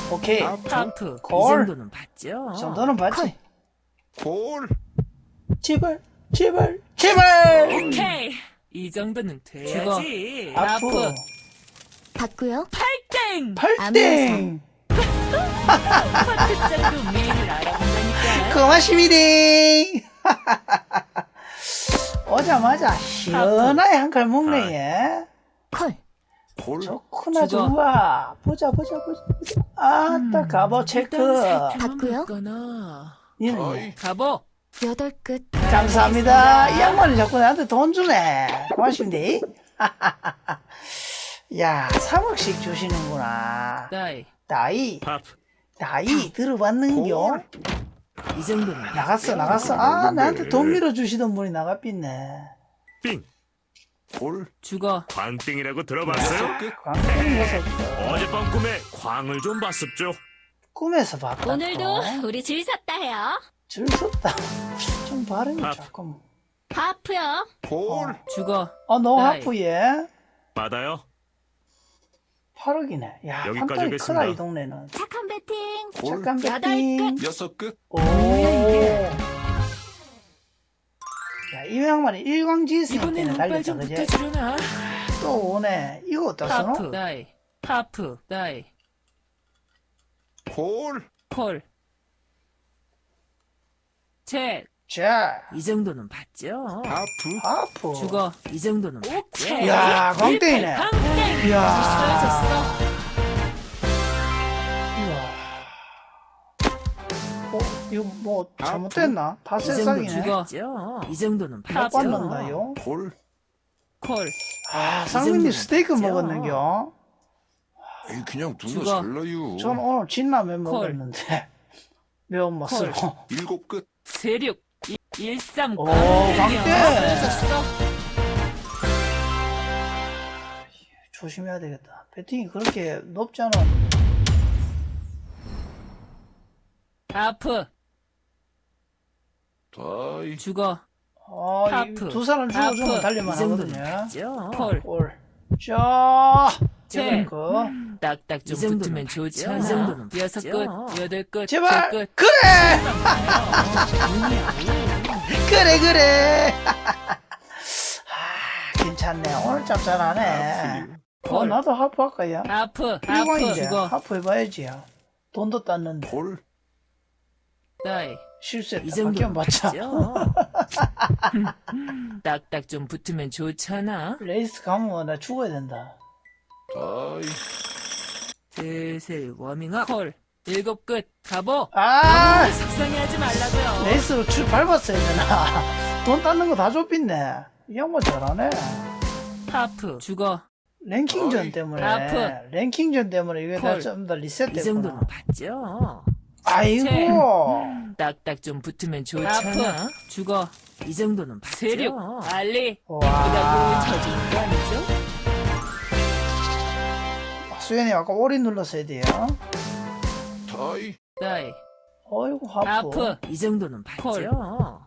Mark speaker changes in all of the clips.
Speaker 1: 오케이.
Speaker 2: 하프. 이
Speaker 1: 콜.
Speaker 2: 정도는 봤죠?
Speaker 1: 이 정도는 봤지.
Speaker 3: 콜.
Speaker 1: 제발, 제발, 제발.
Speaker 2: 오케이. 이 정도는 돼야지.
Speaker 1: 아프.
Speaker 4: 받고요.
Speaker 2: 팔땡.
Speaker 1: 팔땡.
Speaker 2: 파트장도 메인을 알아본다니까.
Speaker 1: 고맙습니다. 오자마자 시원하게 한 칼 먹네, 얘.
Speaker 4: 콜.
Speaker 3: 콜.
Speaker 1: 좋구나,
Speaker 2: 죽어.
Speaker 1: 좋아. 보자. 아따, 가보 체크.
Speaker 4: 받고요.
Speaker 1: 니는
Speaker 3: 다이.
Speaker 2: 가보.
Speaker 4: 여덟 끝.
Speaker 1: 감사합니다. 이 양반이 자꾸 나한테 돈 주네. 고맙습니다. 야, 3억씩 주시는구나.
Speaker 2: 다이.
Speaker 1: 나이,
Speaker 3: 하프.
Speaker 1: 나이 들어봤는겨?
Speaker 3: 콜.
Speaker 2: 이 정도는
Speaker 1: 나갔어. 아, 나한테 돈 밀어주시던 분이 나가삐네.
Speaker 3: 빙. 콜.
Speaker 2: 죽어.
Speaker 3: 광땡이라고 들어봤어요?
Speaker 1: 광땡 녀석.
Speaker 3: 어젯밤 꿈에 광을 좀 봤습죠.
Speaker 1: 꿈에서 봤다.
Speaker 4: 오늘도 우리 질 섰다 해요.
Speaker 1: 줄 섰다. 좀 발음이
Speaker 3: 아.
Speaker 1: 조금.
Speaker 4: 하프요.
Speaker 3: 콜.
Speaker 2: 죽어.
Speaker 1: 너
Speaker 2: 나이.
Speaker 1: 하프 얘.
Speaker 3: 받아요.
Speaker 1: 8억이네. 야,
Speaker 3: 여기까지
Speaker 1: 판단이
Speaker 3: 하겠습니다.
Speaker 1: 크다, 이 동네는.
Speaker 4: 착한 배팅.
Speaker 3: 콜.
Speaker 1: 잠깐
Speaker 4: 여덟
Speaker 1: 배팅.
Speaker 3: 여섯 끝.
Speaker 1: 오.
Speaker 2: 이게?
Speaker 1: 야, 이 양반이 일광지했으니까
Speaker 2: 이번엔 운빨
Speaker 1: 달렸다,
Speaker 2: 좀
Speaker 1: 그지?
Speaker 2: 붙어주려나?
Speaker 1: 또 오네. 이거 어디다
Speaker 2: 하프.
Speaker 1: 써노?
Speaker 2: 다이. 하프. 다이.
Speaker 3: 콜.
Speaker 2: 콜. 책.
Speaker 1: 자,
Speaker 2: 이 정도는 봤죠?
Speaker 3: 하프.
Speaker 1: 하프.
Speaker 2: 죽어. 이 정도는 봤죠?
Speaker 1: 야, 광땡이네.
Speaker 2: 광땡.
Speaker 1: 이야.
Speaker 2: 졌어.
Speaker 1: 이거 뭐 잘못됐나?
Speaker 2: 이 정도
Speaker 1: 파세상이네.
Speaker 2: 죽어. 이 정도는
Speaker 1: 못
Speaker 2: 봤죠?
Speaker 1: 받는다요.
Speaker 3: 콜.
Speaker 2: 콜.
Speaker 1: 아,
Speaker 2: 이
Speaker 1: 상민님
Speaker 2: 정도는
Speaker 1: 스테이크
Speaker 2: 봤죠?
Speaker 1: 먹었는겨?
Speaker 3: 에이, 그냥 누나
Speaker 2: 죽어.
Speaker 3: 잘라요.
Speaker 1: 전 오늘 진라면
Speaker 2: 콜.
Speaker 1: 먹었는데 매운맛으로.
Speaker 3: 일곱 끝.
Speaker 2: 세륙. 13.
Speaker 1: 오, 광땡.
Speaker 2: 졌어.
Speaker 1: 조심해야 되겠다. 배팅이 그렇게 높지 않아.
Speaker 2: 하프.
Speaker 3: 다이.
Speaker 2: 죽어. 하프.
Speaker 1: 두 사람 죽어주면
Speaker 2: 하프.
Speaker 1: 달릴만
Speaker 2: 이 정도는
Speaker 1: 하거든요.
Speaker 2: 봤죠? 콜.
Speaker 1: 콜. 자,
Speaker 2: 책.
Speaker 1: 그
Speaker 2: 딱딱 좀 붙으면 좋지. 이 정도는 여섯 끝. 여덟 끝.
Speaker 1: 제발.
Speaker 2: 칠 끝.
Speaker 1: 그래. 그래. 아, 괜찮네. 오늘 참 잘하네.
Speaker 2: 콜.
Speaker 1: 나도 하프 할까요?
Speaker 2: 하프. 하프.
Speaker 1: 일광인데
Speaker 2: 죽어.
Speaker 1: 하프 해봐야지. 돈도 땄는데
Speaker 3: 콜.
Speaker 2: 다이. 이
Speaker 1: 실수했다.
Speaker 2: 정도는
Speaker 1: 바뀌어 맞자.
Speaker 2: 봤죠? 딱딱 좀 붙으면 좋잖아.
Speaker 1: 레이스 가면 나 죽어야 된다.
Speaker 3: 다이.
Speaker 2: 슬슬 워밍업. 콜. 일곱 끝. 가보.
Speaker 1: 아,
Speaker 2: 속상해하지 말라고요.
Speaker 1: 레이스로 줄 밟았어야 되나? 돈 땄는 거 다 좁혔네. 이 양반 잘하네.
Speaker 2: 하프. 죽어.
Speaker 1: 랭킹전
Speaker 3: 어이.
Speaker 1: 때문에
Speaker 2: 하프.
Speaker 1: 랭킹전 때문에 이게
Speaker 2: 콜.
Speaker 1: 다좀더
Speaker 2: 이
Speaker 1: 리셋됐구나.
Speaker 2: 정도는 봤죠?
Speaker 1: 아이고.
Speaker 2: 딱딱 좀 붙으면 좋잖아. 죽어. 이 정도는 봤죠? 세륙. 알리.
Speaker 1: 와.
Speaker 2: 이라고 쳐주는 거 아니죠?
Speaker 1: 수현이 아까 오리 눌렀어야 돼요.
Speaker 3: 다이.
Speaker 2: 다이.
Speaker 1: 어이구 하프.
Speaker 2: 하프. 이 정도는 봤죠?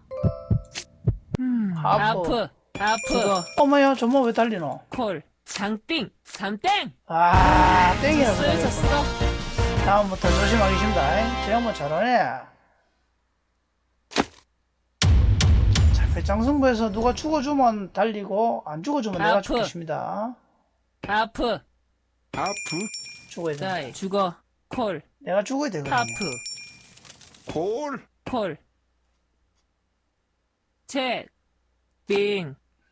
Speaker 1: 하프.
Speaker 2: 하프. 하프. 죽어.
Speaker 1: 어머야 저뭐 왜 달리노?
Speaker 2: 콜. 장띵. 삼땡.
Speaker 1: 아 땡이라고.
Speaker 2: 졌어.
Speaker 1: 다음부터 조심하겠습니다. 저 양반 잘하네. 자, 배짱승부에서 누가 죽어주면 달리고 안 죽어주면 내가
Speaker 2: 하프.
Speaker 1: 죽겠습니다.
Speaker 2: 하프.
Speaker 3: 하프.
Speaker 1: 죽어야 돼.
Speaker 2: 다이. 죽어. 콜.
Speaker 1: 내가 죽어야 되거든요.
Speaker 2: 하프.
Speaker 3: 콜.
Speaker 2: 콜. 책. 빙.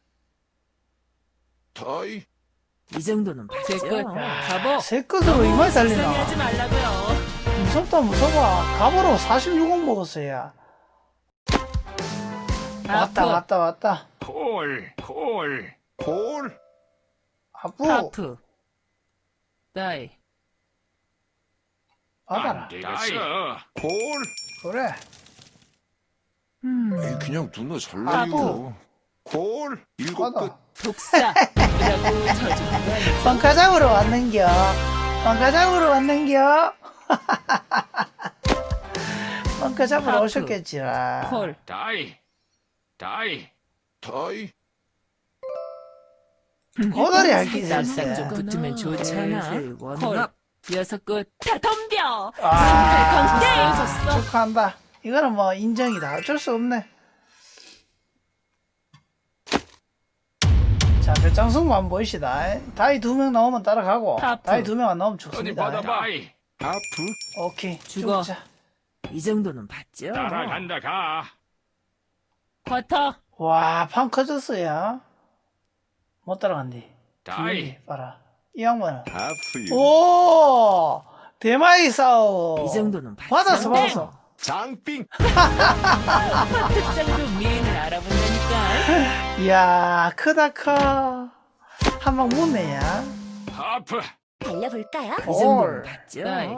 Speaker 3: 다이.
Speaker 2: 이 정도는 봤죠? 가보.
Speaker 1: 새 끝으로 이마에 달리나?
Speaker 2: 속상해하지 말라고요.
Speaker 1: 무서워. 갑으로 46억 먹었어요. 왔다.
Speaker 3: 콜. 콜. 콜.
Speaker 1: 하프.
Speaker 2: 하프. 다이.
Speaker 1: 받아라.
Speaker 3: 되겠어. 콜.
Speaker 1: 그래.
Speaker 3: 에이, 그냥 누나 잘라요. 콜. 일곱 끝.
Speaker 1: 받아.
Speaker 2: 독사라고 쳐주는 거 아니죠?
Speaker 1: 빵가장으로 왔는겨. 빵가장으로
Speaker 2: 하프.
Speaker 1: 오셨겠지라.
Speaker 2: 콜.
Speaker 3: 다이. 다이. 다이.
Speaker 1: 고다리 할게
Speaker 2: 딱딱
Speaker 1: 있었어.
Speaker 2: 좀 붙으면 좋잖아. 콜. 여섯 끝. 다 덤벼.
Speaker 1: 아,
Speaker 2: 강제.
Speaker 1: 축하한다. 이거는 뭐 인정이다. 어쩔 수 없네. 자, 배짱승부 한번 보이시다. 다이 2명 나오면 따라가고,
Speaker 2: 하프.
Speaker 1: 다이 2명 안 나오면
Speaker 3: 어디
Speaker 1: 죽습니다.
Speaker 3: 받아봐. 하프.
Speaker 1: 오케이,
Speaker 2: 죽어.
Speaker 1: 죽자.
Speaker 2: 이 정도는 봤죠.
Speaker 3: 따라간다 가.
Speaker 2: 쿼터.
Speaker 1: 와, 판 커졌어요. 못 따라간디.
Speaker 3: 다이.
Speaker 1: 봐라. 이 양반은.
Speaker 3: 하프유.
Speaker 1: 오! 대마이 싸움.
Speaker 2: 이 정도는 봤죠.
Speaker 1: 받았어.
Speaker 3: 장빙.
Speaker 2: 특장도 미인을 알아본다니까.
Speaker 1: 이야, 크다, 커. 한 방 묻네야.
Speaker 3: 하프.
Speaker 4: 달려볼까요?
Speaker 2: 이 정도는
Speaker 1: 헐.
Speaker 2: 봤죠.
Speaker 1: 네.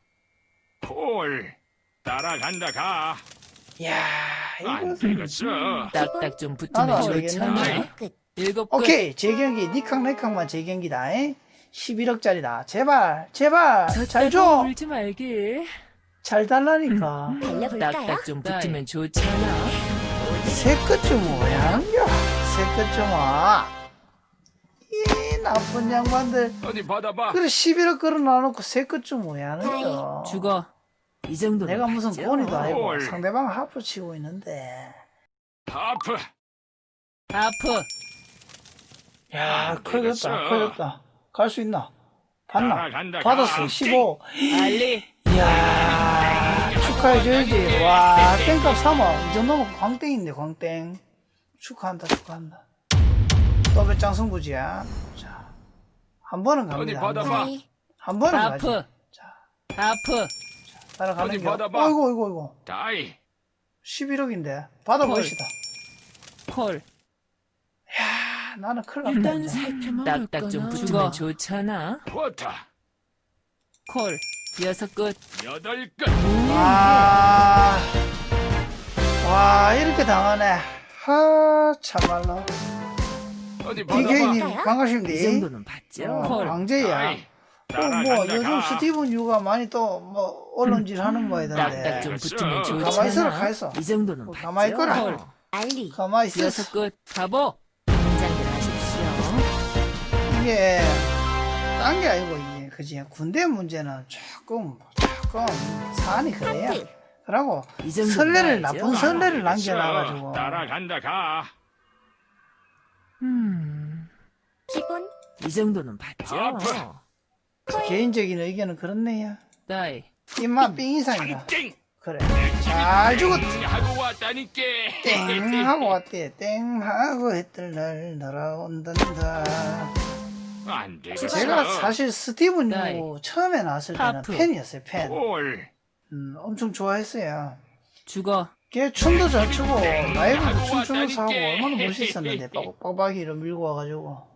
Speaker 3: 콜. 따라간다 가.
Speaker 1: 이야,
Speaker 3: 안
Speaker 1: 이거.
Speaker 3: 되겠어.
Speaker 2: 딱딱 좀
Speaker 1: 나도
Speaker 2: 붙으면
Speaker 1: 안
Speaker 2: 좋잖아.
Speaker 1: 되겠네.
Speaker 4: 끝.
Speaker 2: 일곱 끝.
Speaker 1: 오케이, 재경기. 니캉, 내캉만 재경기다. 11억짜리다. 제발, 제발. 잘 줘.
Speaker 2: 울지 말게.
Speaker 1: 잘 달라니까.
Speaker 4: 달려볼까요?
Speaker 2: 딱딱 좀 붙으면 좋잖아.
Speaker 1: 새 끝 좀 뭐야? 새 끝 좀 와. 이 나쁜 양반들.
Speaker 3: 어디 받아봐.
Speaker 1: 그래, 11억 걸어놔놓고 새 끝 좀 뭐야 하는 거.
Speaker 2: 죽어. 이 정도는
Speaker 1: 내가 무슨
Speaker 2: 봤죠.
Speaker 1: 권위도 아니고
Speaker 3: 헐.
Speaker 1: 상대방 하프 치고 있는데.
Speaker 3: 하프.
Speaker 2: 하프.
Speaker 1: 야,
Speaker 3: 안
Speaker 1: 커졌다,
Speaker 3: 되겠어.
Speaker 1: 커졌다. 갈 수 있나? 봤나?
Speaker 3: 따라간다,
Speaker 1: 받았어,
Speaker 3: 가.
Speaker 1: 15.
Speaker 2: 알리.
Speaker 1: 이야, 축하해줘야지. 와, 땡값 3억. 이 정도면 광땡인데, 광땡. 축하한다, 축하한다. 또 배짱 승부지야. 자, 한 번은
Speaker 3: 어디
Speaker 1: 갑니다. 한 번.
Speaker 3: 받아봐.
Speaker 4: 다이.
Speaker 1: 한 번은 가지.
Speaker 2: 하프.
Speaker 1: 자,
Speaker 2: 하프.
Speaker 1: 따라가는
Speaker 3: 어디
Speaker 1: 게.
Speaker 3: 받아봐.
Speaker 1: 어이구, 어이구, 어이구.
Speaker 3: 다이.
Speaker 1: 11억인데. 받아보시다.
Speaker 2: 콜.
Speaker 1: 야, 나는 큰일 났다.
Speaker 2: 일단
Speaker 1: 이제.
Speaker 2: 살펴만 딱딱 좀 붙으면 좋잖아.
Speaker 3: 쿼터.
Speaker 2: 콜. 여섯 끝.
Speaker 3: 여덟 끝.
Speaker 1: 와, 이렇게 당하네. 하, 참말로.
Speaker 3: 어디 받아봐.
Speaker 1: DK님,
Speaker 2: 이
Speaker 1: 반갑습니다.
Speaker 2: 정도는 봤죠. 콜.
Speaker 1: 강제야.
Speaker 3: 다이.
Speaker 1: 또 뭐,
Speaker 3: 따라간다
Speaker 1: 요즘
Speaker 3: 가.
Speaker 1: 스티븐 유가 많이 또, 뭐, 언론질 하는 모양인데.
Speaker 2: 딱딱 좀 붙으면
Speaker 3: 가만히
Speaker 2: 좋잖아.
Speaker 1: 있어라, 가만히 있어.
Speaker 2: 이 정도는
Speaker 1: 뭐,
Speaker 2: 봤죠.
Speaker 1: 가만히 있거라.
Speaker 2: 콜.
Speaker 4: 알리.
Speaker 1: 가만히 있어.
Speaker 2: 여섯 끝. 가보. 긴장들 하십시오.
Speaker 1: 이게, 딴 게 아니고, 이게, 그지? 군대 문제는 조금 사안이 그래요.
Speaker 4: 하프.
Speaker 1: 그러고,
Speaker 2: 이 정도는
Speaker 1: 선례를,
Speaker 2: 봐야죠.
Speaker 1: 나쁜 선례를 남겨놔가지고.
Speaker 3: 따라간다 가.
Speaker 4: 기본.
Speaker 2: 이 정도는 봤죠.
Speaker 3: 하프.
Speaker 1: 개인적인 의견은 그렇네요.
Speaker 2: 다이.
Speaker 1: 입맛 삥 이상이다.
Speaker 3: 땡.
Speaker 1: 그래. 잘 죽었다.
Speaker 3: 하고 왔다니까.
Speaker 1: 땡 하고 왔대. 땡 하고 했던 날 날아온단다.
Speaker 3: 안 되겠어.
Speaker 1: 제가 사실 스티븐
Speaker 2: 나이.
Speaker 1: 유 처음에 나왔을 때는
Speaker 2: 하프.
Speaker 1: 팬이었어요. 팬.
Speaker 3: 콜.
Speaker 1: 엄청 좋아했어요.
Speaker 2: 죽어.
Speaker 1: 걔 춤도 잘 추고 라이브도 춤추면서 하고 얼마나 멋있었는데 빡빡이를 밀고 와가지고